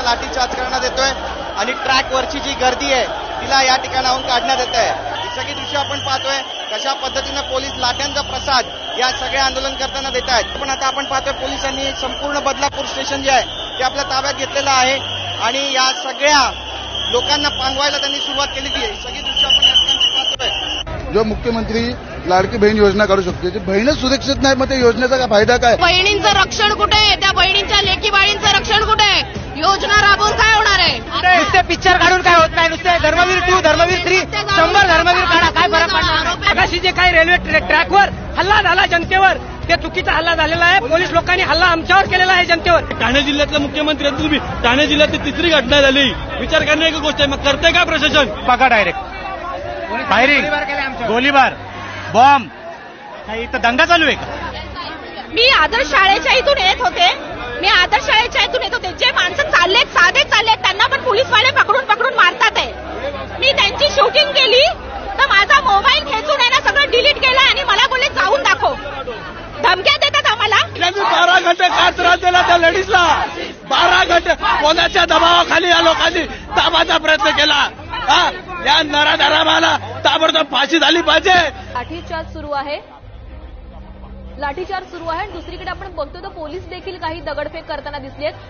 लाठीचार्ज करण्यात येतोय आणि ट्रॅकवरची जी गर्दी आहे तिला या ठिकाणाहून काढण्यात येत आहे। ही सगळी दृश्य आपण पाहतोय कशा पद्धतीनं पोलीस लाठ्यांचा प्रसाद या सगळ्या आंदोलन करताना देत आहेत। पण आता आपण पाहतोय पोलिसांनी संपूर्ण बदलापूर स्टेशन जे आहे ते आपल्या ताब्यात घेतलेलं आहे आणि या सगळ्या लोकांना पांगवायला त्यांनी सुरुवात केलेली आहे। सगळी दृश्य आपण या ठिकाणी पाहतोय। जो मुख्यमंत्री लाडकी बहीण योजना काढू शकते, बहीणच सुरक्षित नाही, मग त्या योजनेचा काय फायदा काय? बहिणींचं रक्षण कुठे आहे? त्या बहिणींच्या लेकी बाळींचं रक्षण कुठे आहे? योजना राबवून काय होणार आहे? नुसते पिक्चर काढून काय होत नाही, नुसते धर्मवीर 2 धर्मवीर 3 100 धर्मवीर काढा, काय फरक पडणार? आकाशी जे काही रेल्वे ट्रॅकवर हल्ला झाला जनतेवर, ते चुकीचा हल्ला झालेला आहे। पोलीस लोकांनी हल्ला आमच्यावर केलेला आहे जनतेवर। ठाणे जिल्ह्यातला मुख्यमंत्री आहेत तुम्ही, ठाणे जिल्ह्यातली तिसरी घटना झाली, विचार करण्याची गोष्ट आहे। मग करते का प्रशासन? बघा डायरेक्ट फायरिंग, गोळीबार, बॉम्ब, काही इथं दंगा चालू आहे का? मी आदर्श शाळेच्या इथून येत होते, जे माणसं चाललेत साधे चाललेत त्यांना पण पोलीसवाले पकडून मारतात आहे। मी त्यांची शूटिंग केली तर माझा मोबाईल खेचून आहे ना सगळं डिलीट केलं आणि मला बोलले जाऊन दाखव, धमक्या देतात आम्हाला। 12 घंटे काय त्रास दिला त्या लेडीजला, 12 घंटे कोणाच्या दबावाखाली या लोकांनी दाबाचा प्रयत्न केला। या नराधमाला ताबडतोब फाशी झाली पाहिजे। लाठीचार्ज सुरू आहे आणि दुसरीकडे आपण बघतो तर पोलीस देखील काही दगडफेक करताना दिसलेत।